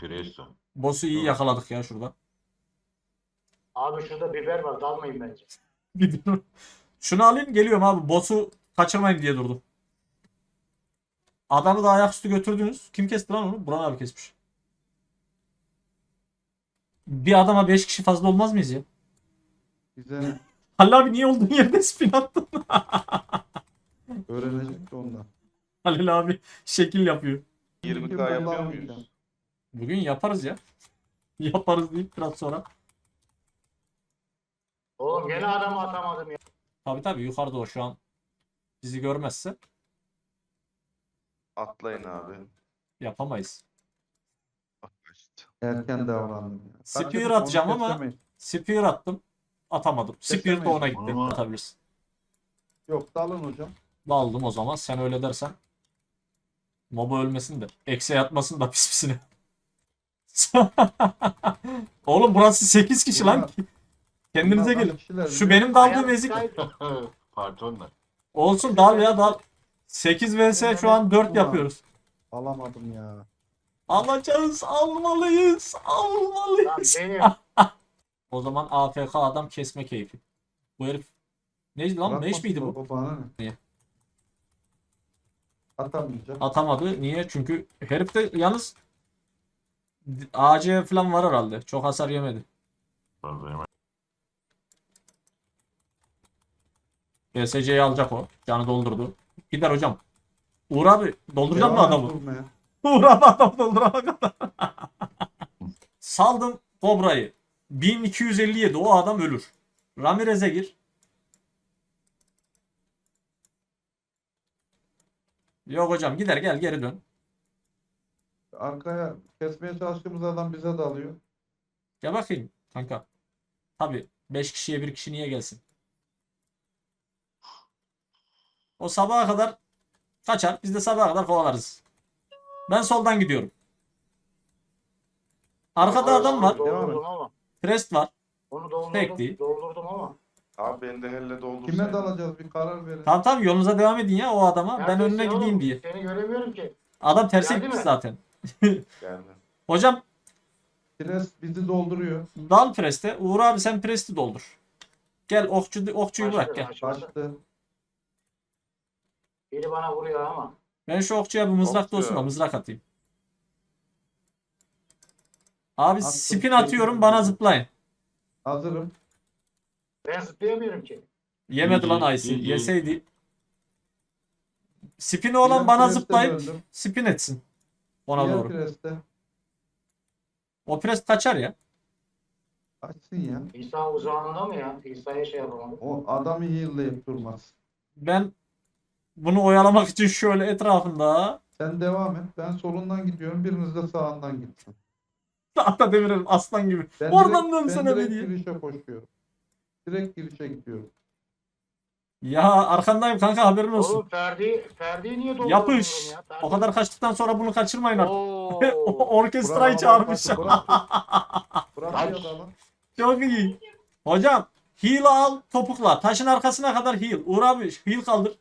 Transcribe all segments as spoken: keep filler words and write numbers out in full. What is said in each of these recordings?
Presto. Boss'u iyi yakaladık ya şurada. Abi şurada biber var, dalmayın bence. Gidiyorum. Şunu alayım geliyorum abi. Boss'u kaçırmayın diye durdum. Adamı da ayaküstü götürdünüz. Kim kesti lan onu? Buran abi kesmiş. Bir adama beş kişi fazla olmaz mıyız ya? Bize Halil abi niye olduğun yerde spin attın? öğrenecek de ondan. Halil abi şekil yapıyor. yirmi Kim K yapıyor kullanmayacağım. muyuz? Bugün yaparız ya. Yaparız deyip biraz sonra. Oğlum gene adamı atamadım ya. Tabi tabi yukarıda o şu an. Bizi görmezse Atlayın abi. yapamayız. İşte. Erken davrandım. Ya. Spear Kaçırdık, onu atacağım ama- kesemeyiz. Spear attım. Atamadım. Spear de ona gitti. Ama- Atabilirsin. Yok dalın hocam. Aldım o zaman. Sen öyle dersen. Moba ölmesin de. Eksiğe yatmasın da pis pisine. Oğlum burası sekiz kişi lan. Kendinize Bunlar gelin. kaç kişiler Şu biliyor benim daldığım Hayat ezik. kayıt. Pardon. Olsun dal ya dal. sekiz vs şu an dört Ulan. yapıyoruz. Alamadım ya. Alacağız, almalıyız, Lan almalıyız. benim. O zaman A F K adam kesme keyfi. Bu herif neydi lan? Bırakmasın Meş miydi bu? o bana ne? Niye? Atamayacak. Atamadı. Niye? Çünkü herif de yalnız A C falan var herhalde. Çok hasar yemedi. B S C'yi alacak o. Canı doldurdu. Gider hocam. Uğur abi dolduracak mı Devam et adamı? vurmaya. Uğur abi adam doldurana kadar. Saldım Kobra'yı. bin iki yüz elli yedi o adam ölür. Ramirez'e gir. Yok hocam gider gel geri dön. Arkaya kesmeye çalıştığımız adam bize dalıyor. Gel bakayım kanka. Tabi beş kişiye bir kişi niye gelsin? O sabaha kadar kaçar. Biz de sabaha kadar kovalarız. Ben soldan gidiyorum. Arkada adam var. Doldurdum ama. Crest var. Onu doldurdum. Pek değil. Doldurdum ama. Abi beni de helle doldursaydın. Kime dalacağız bir karar verin. Tamam tamam yolunuza devam edin ya o adama. Ben Neredesin önüne oğlum? gideyim diye. Seni göremiyorum ki. Adam terse Geldi gitmiş mi? zaten. Geldi. Hocam Pres bizi dolduruyor. dal preste. Uğur abi sen presti doldur. Gel okçu, okçuyu bırak gel. Başladı, başladı. Kaçtı. Biri bana vuruyor ama. Ben şu okçuya bir mızrak Okçu. olsun da mızrak atayım. Abi Attım, spin atıyorum bana zıplayın. Hazırım. Ben zıplayamıyorum ki. Yemedi lan İyi, Aysi. iyi, iyi. Yeseydi. Spin olan Diğer bana preste zıplayıp döndüm. spin etsin. Ona Diğer doğru. preste. O pres kaçar ya. Açsın ya. İsa uzağında mı ya? İsa'ya şey yapamadım. O adamı heal'layıp durmaz. Ben bunu oyalamak için şöyle etrafında Sen devam et. Ben solundan gidiyorum. Biriniz de sağından gitsin. tahta demirelim aslan gibi. Ben Oradan direkt, dönsene ben be direkt diye. girişe koşuyorum. Direkt girişe gidiyorum. Ya arkandayım kanka haberin olsun. Oğlum Ferdi, Ferdi'yi niye doldurdun Yapış. ya? Ferdi. O kadar kaçtıktan sonra bunu kaçırmayın artık. Oo. Orkestrayı Bravo, çağırmış. bak, Bırak, bırak Ay. ya adamı. Çok iyi. Hocam heal al topukla. Taşın arkasına kadar heal. Uğur abi heal kaldır.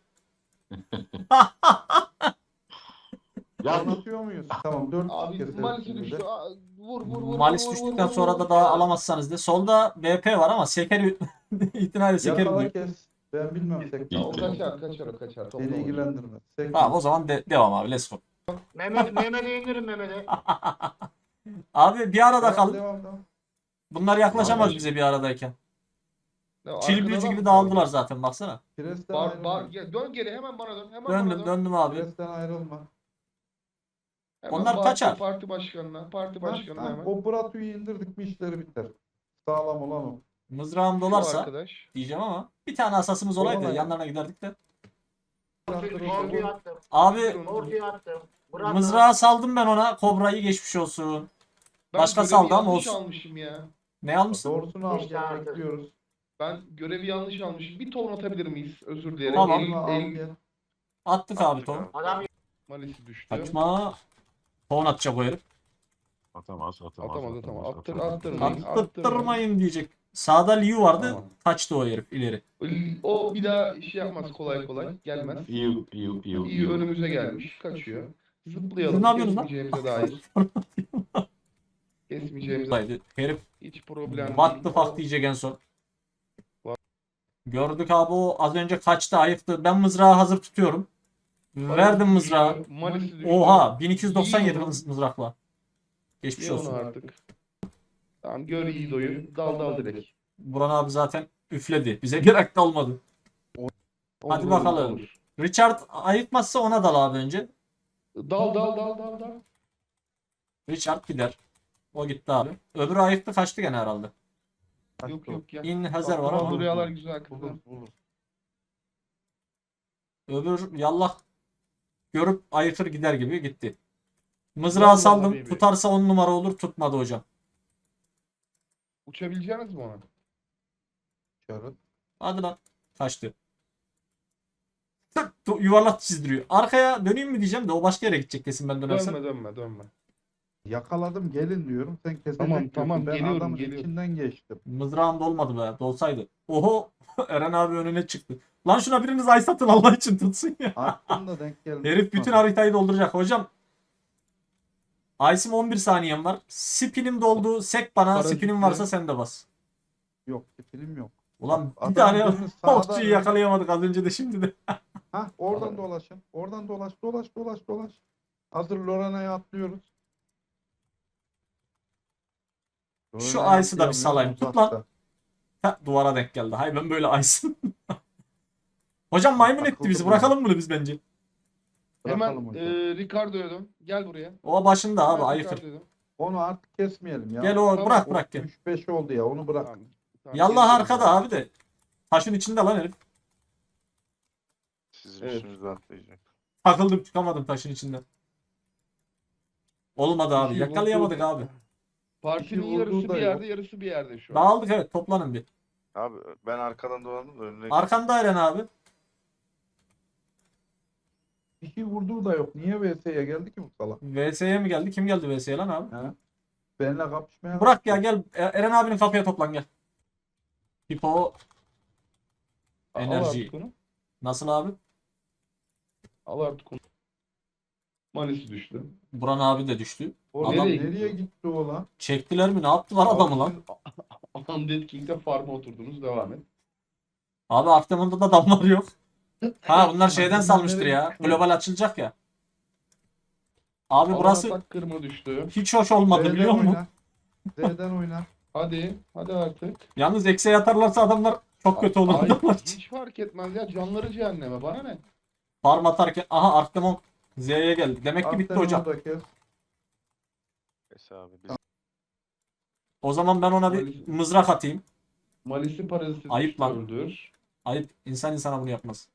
Ya Anlatıyor muyuz? Tamam dört Abi kez Malisi hepsinde düştü. de. Aa, Vur vur vur. Malis vur, düştükten vur, vur, sonra vur. da daha alamazsanız de. Solda B P var ama sekeri itinayla sekeri Yakala diyor. kes. Ben bilmem tek. Ya, o kaçar kaçar o kaçar. Topla Beni onu. ilgilendirmez. Tek- Tamam o zaman de- devam abi let's go. Mehmet, Mehmet'e indirin Mehmet'e. Abi bir arada Devam, kal. devam, devam. Bunlar yaklaşamaz Vallahi. bize bir aradayken. Ya, Çil arkadan büyücü at- gibi dağıldılar zaten baksana. Presten Bar, ayrılma. bar, ya, dön geri hemen bana dön. Hemen Döndüm bana dön. döndüm abi. Presten ayrılma. Hemen Onlar bar- kaçar. Parti başkanına. Parti Ha, başkanına ha, hemen. o Bratu'yu indirdik mi işleri biter. Sağlam olan o. Mızrağım Şu dolarsa arkadaş. diyeceğim ama bir tane asasımız olaydı Olay. yanlarına giderdik de. Ortaya attım. Abi Ortaya attım. Bırak mızrağı saldım ben ona. Kobra'yı geçmiş olsun. Ben Başka görevi saldı ama yanlış olsun. almışım ya. Ne almışsın? Doğrusunu İşte alacağız artık. bekliyoruz. Ben görevi yanlış almışım. Bir ton atabilir miyiz? Özür dilerim. Tamam. El, Al, el, gel. Attık abi ton. Adam Malisi düştü. Kaçma. Ton atacak o herif. atamaz, atamaz. Atamadı tamam. Attır, atamaz. attırmayın. Attırmayın diyecek. Sağda Liu vardı. Tamam. Kaçtı o herif ileri. O bir daha şey yapmaz kolay kolay. Gelmez. İyi, iyi, iyi. İyi önümüze gelmiş. Kaçıyor. Siz Zıplayalım. ne yapıyorsunuz lan? Kesmeyeceğimize dair. Kesmeyeceğimiz Buradaydı. Herif hiç problem what değil. the fuck diyecek en son. Gördük abi, o az önce kaçtı, ayıktı. Ben mızrağı hazır tutuyorum. Verdim mızrağı. Malisi düştü. Oha, bin iki yüz doksan yedi İyi onu. mız- mızrakla. Geçmiş Ye onu olsun. artık. Tamam gör İdo'yu. Dal dal direkt. Buran abi zaten üfledi. Bize gerek kalmadı. Hadi Olur, bakalım. olur. Richard ayıkmazsa ona dal abi önce. Dal dal dal dal dal. Richard gider. O gitti abi. Öbürü ayıktı, kaçtı gene herhalde. Yok yok ya. İn Hazar var ama. Rüyalar güzel kızlar. Bulur bulur. Öbür yallah görüp ayıkır gider gibi gitti. Mızrağı Vallahi saldım. baby. Tutarsa on numara olur. Tutmadı hocam. Uçabileceğiniz mi ona? Çarık. Hadi lan. Kaçtı. Tık, tu- yuvarlak çizdiriyor. Arkaya döneyim mi diyeceğim de o başka yere gidecek kesin ben dönersem. Dönme dönme dönme. Yakaladım gelin diyorum. Sen kesecek Tamam, diyorsun. tamam, Ben geliyorum, adamın geliyorum. içinden geçtim. Mızrağım dolmadı be. Dolsaydı. Oho. Eren abi önüne çıktı. Lan şuna biriniz ay satın Allah için tutsun ya. Attım da denk geldi. Herif bütün haritayı dolduracak. Hocam Ice'im on bir saniyem var. Spinim doldu. Sek bana. Paraşütle. Spinim varsa sen de bas. Yok film yok. Ulan bir Adam tane birini sağdan- okçuyu yakalayamadık az önce de şimdi de. Hah oradan dolaşın. Oradan dolaş dolaş dolaş dolaş. Hazır Lorana'ya atlıyoruz. Şu Lorana'ya Ice'ı da bir salayım. Tut uzakta. lan. Ha, duvara denk geldi. Hay ben böyle Ice'ım. Hocam maymun etti bizi. Takıldım Bırakalım bunu biz bence. Hemen Bırakalım hocam. e, Ricardo'ya dön. Gel buraya. O başında abi Hemen ayıkır. Ricardo'ya dön. Onu artık kesmeyelim ya. Gel o Tamam, bırak O bırak gel. üç beş oldu ya onu bırak. Tamam, tamam, Yallah gel. arkada abi de. Taşın içinde lan herif. Sizin Evet. üstünüze atlayacak. Takıldım çıkamadım taşın içinden. Olmadı abi. İki Yakalayamadık vurdu. abi. Partinin İki vurduğu yarısı da bir yok. yerde, yarısı bir yerde şu an. Dağıldık evet, toplanın bir. Abi ben arkadan dolandım da önüne Arkanda Eren abi. İki vurduğu da yok. Niye V S'ye geldi ki bu salak? V S'ye mi geldi? Kim geldi V S'ye lan abi? Ha? Benimle kapışmaya Bırak ya kalktı. gel. E- Eren abinin kapıya toplan gel. Hipo Al enerji. artık onu. Nasıl abi? Al artık onu. Malisi düştü. Buran abi de düştü. Oğlum Adam- nereye, Nereye gitti o lan? Çektiler mi? Ne yaptılar adamı lan? Undead King'de farm'a oturdunuz. Devam et. Abi Artemon'da da damlar yok. Ha bunlar şeyden Bunlar salmıştır nereye ya. gitti? Global açılacak ya. Abi burası Atak kırma düştü. hiç hoş olmadı Z'den biliyor musun? oyna. Z'den oyna. Hadi. Hadi artık. Yalnız eksiye atarlarsa adamlar çok kötü olur. Ay, adamlar. hiç fark etmez ya. Canları cehenneme. Bana ne? Farm atarken aha Artemon Z'ye geldi. Demek ki bitti Artemon hocam. da kes. Neyse abi biz O zaman ben ona bir mızrak atayım. Malisi paraziti Ayıp düştü, lan. öldür. Ayıp. İnsan insana bunu yapmaz.